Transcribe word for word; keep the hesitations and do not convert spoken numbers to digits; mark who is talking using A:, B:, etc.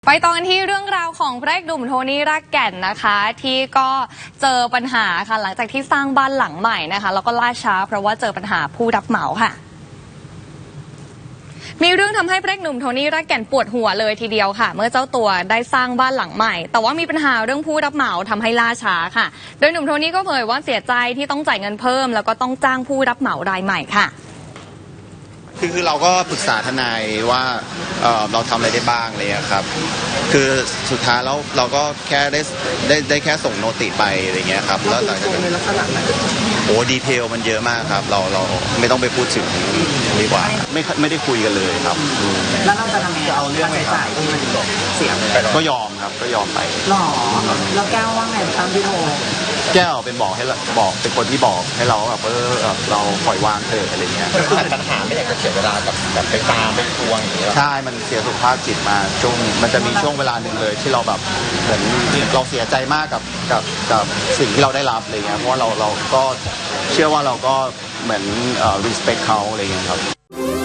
A: ไปต่อกันที่เรื่องราวของพระเอกหนุ่มโทนี่รากแก่นนะคะที่ก็เจอปัญหาค่ะหลังจากที่สร้างบ้านหลังใหม่นะคะแล้วก็ล่าช้าเพราะว่าเจอปัญหาผู้รับเหมาค่ะมีเรื่องทำให้พระเอกหนุ่มโทนี่รากแก่นปวดหัวเลยทีเดียวค่ะเมื่อเจ้าตัวได้สร้างบ้านหลังใหม่แต่ว่ามีปัญหาเรื่องผู้รับเหมาทำให้ล่าช้าค่ะโดยหนุ่มโทนี่ก็เผยว่าเสียใจที่ต้องจ่ายเงินเพิ่มแล้วก็ต้องจ้างผู้รับเหมารายใหม่ค่ะ
B: คือคือเราก็ปรึกษาทนายว่าเอ่อเราทำอะไรได้บ้างเลยครับคือสุดท้ายแล้วเราก็แค่ได้ได้ได้แค่ส่งโนติไปอะไรเงี้ยครับแล้วหลังจากนั้นในลักษณะไหนโอ้ดีเทลมันเยอะมากครับเราเราไม่ต้องไปพูดถึงดีกว่าไม่ไม่ได้คุยกันเลยครับ
C: แล้วเราจะทำยังไงเอาเรื่องใช้จ่ายที่มันเสียไป
B: ก็ยอมครับก็ยอมไป
C: หรอแล้วแก้วว่าไงตามที่โทร
B: แก้วเป็นบอกให้บอกเป็นคนที่บอกให้เราแบบเออเราปล่อยวางเถอะอะไรเงี้ย
D: ปัญหาไม่อยากจะเสียเวลากับแบบไปตามไปทวงอย่างเงี้ย
B: ใช่มันเสียสุขภาพจิตมาช่วงมันจะมีช่วงเวลาหนึ่งเลยที่เราแบบเหมือนเราเสียใจมากกับกับกับสิ่งที่เราได้รับอะไรเงี้ยเพราะว่าเราเราก็เชื่อว่าเราก็เหมือนเอ่อ respect เขาอะไรเงี้ยครับ